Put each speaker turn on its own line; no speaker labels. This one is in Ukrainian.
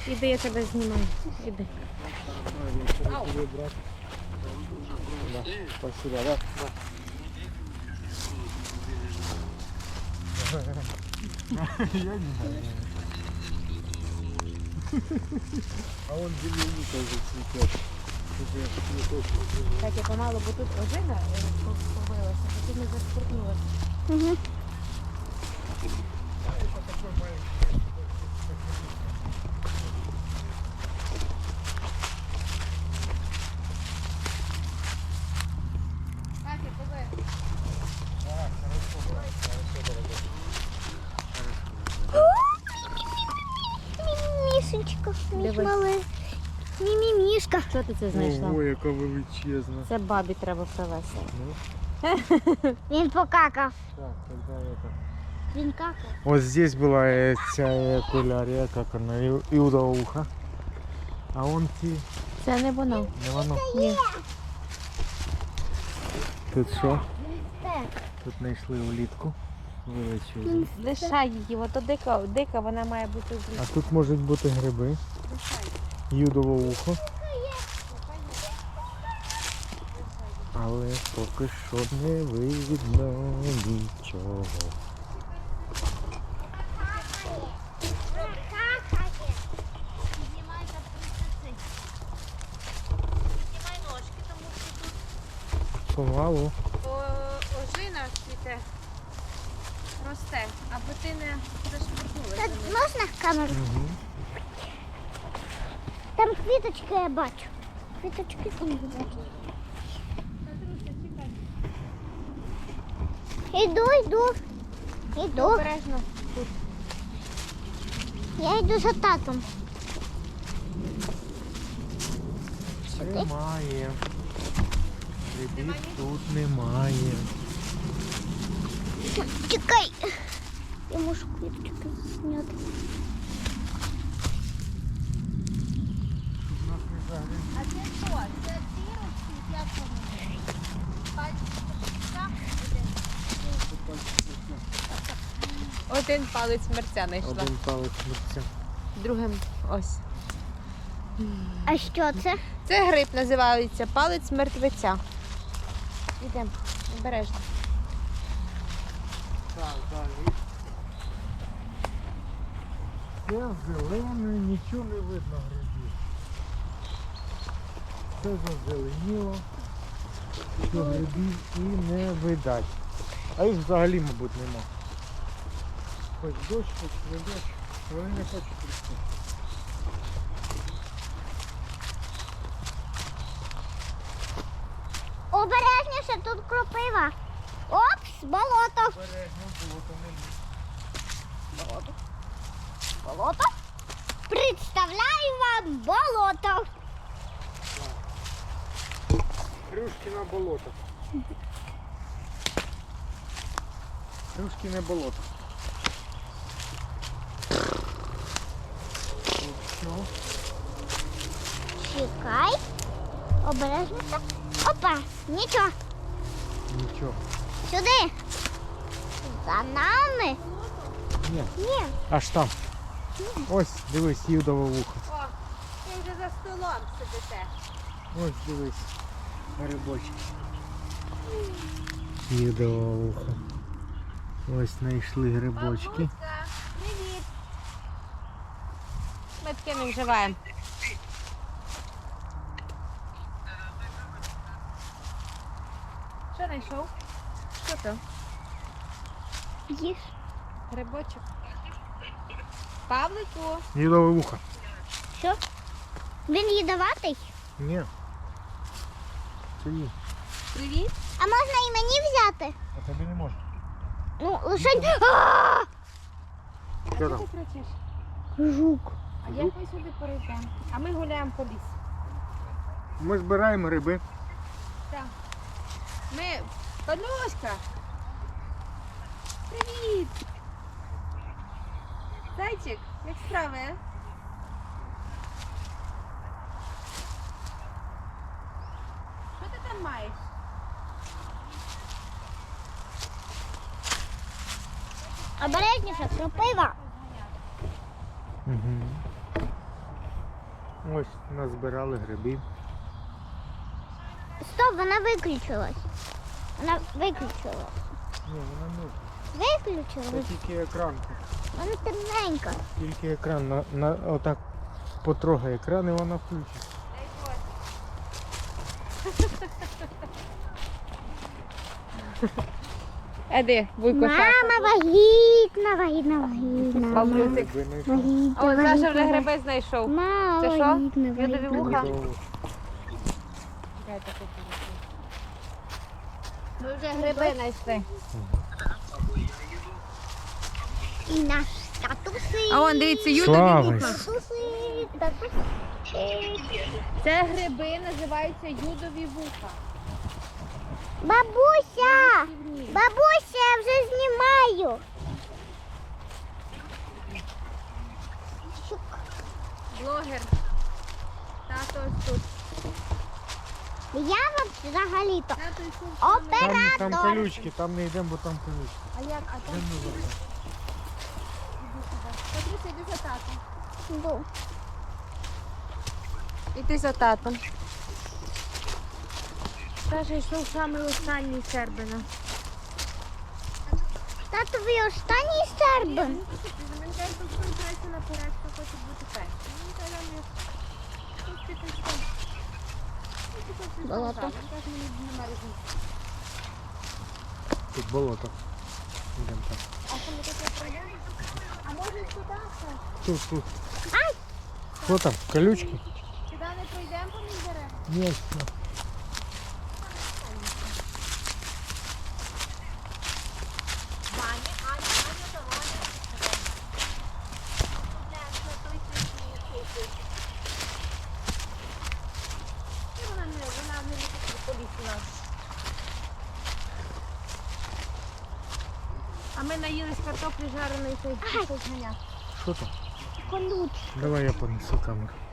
Іди, я тебе знімаю. Іди.
Да, спасибо, да? Я не знаю. А он земляника уже цветет.
Так, я помалу, бо тут ожина побилася, потім не заспортнулася.
Угу. Мімішечка, мій
Дивись.
малий. Мімімішка.
Що ти це знайшла?
Ого, яка величезна.
Це бабі треба привезти.
Ну,
Він покакав.
так, тогда это.
Він какав.
Вот здесь была ця окулярія, как она, иудово ухо. А он ті,
Це не воно.
не воно.
Ні.
Тут що?
Так.
Тут знайшли улітку. Величезну.
Лишай її, ото дика, вона має бути в
А тут можуть бути гриби. Юдове ухо. Але поки що не видно нічого. Помалу.
Ожина цвіте, росте, аби ти не
Так,
зашпортнулася.
можна камеру?
Угу.
Там квіточки я бачу. Квіточки там я бачу. Іду.
Обережно.
Я йду за татом.
Немає. Грибів тут немає.
Чекай. Я можу квіточки зняти.
А це що? Це дірочки, як вони? Один палець мерця знайшла.
Один палець мерця.
Другим ось.
А що це?
Це гриб називається палець мертвеця. Ідемо, обережно.
Так, далі. Все зелене, нічого не видно грибів. Все зазеленіло, що грибів і не видать. А їх взагалі, мабуть, нема. Хоч дощ, хоч не дощ, вони не хочуть рости.
Обережніше, тут кропива. Опс, болото.
Бережно, болото не лізь.
Болото. Представляю вам болото.
Крюшкине болото. Крюшкине болото. Що?
Чекай. Обережніше. Опа, нічого.
Нічого.
Сюди. За нами.
Ні.
Ні.
Аж там. Ось, дивись, юдове вухо.
О, ти вже за столом сидите.
Ось, дивись. Грибочки. Юдове вухо. Ось знайшли грибочки.
Бабуська, привіт. Ми таке не вживаємо. Що знайшов? Що то?
Їж.
Грибочок. Павлику.
Юдове вухо.
Що? Він їдоватий?
Ні. Це ні.
Привіт.
А можна і мені взяти?
А тобі не можна.
Ну, лише... А!
Що там?
Ти кричиш?
Жук.
А як ми сюди перейдемо? А ми гуляємо по лісу.
Ми збираємо гриби.
Так. Ми... Пануська! Привіт! Зайчик, як справи? А? Що ти там маєш?
Обережніше, кропива.
Угу. Ось назбирали грибів.
Стоп, вона виключилась. Вона виключилась.
Ні, вона не. Це
Виключилась.
тільки екран.
Вона темненька.
Тільки екран. Отак потрогай екран і вона включиться.
Еди, вуйко
Мама вагітна, вагітна, вагітна.
Бабусик.
Вагітна,
А от Саша вже
вагітна.
гриби знайшов.
Мама
Це що?
вагітна,
Я тобі
вагітна.
вуха.
Чудово.
Ми вже гриби знайшли.
І наш татусик.
А вон, дивіться, юдові
Слава
вуха.
Ісусу.
Татусик, татусик.
Це гриби називаються юдові вуха.
Бабуся! Бабуся, я вже знімаю. Щук.
Блогер. Тато ось тут.
Я взагалі-то
Тато ось тут.
Там
оператор.
колючки, там не йдемо, бо там колючки.
А як? А там?
Йдемо назад.
Патріся, йди за татом.
Бу.
Іди за татом. Саша йшов самий останній сербина.
Тато, ви останній сербин?
Він каже, що спирається наперед, що хоче бути першим. Він каже,
Болото.
Він каже, мені немає різниці.
Тут болото. Йдемо так.
А що ми таке пройдемо? А може туди?
Тут. Що там? Колючки?
Сюди не пройдемо по між дерев?
Ні, все.
Ваня, Аня, то Ваня. Вона не любить поліцію нас. А ми наїлись картоплі жареної, то й пішов ганяти.
Що там?
Колючки.
Давай я понесу камеру.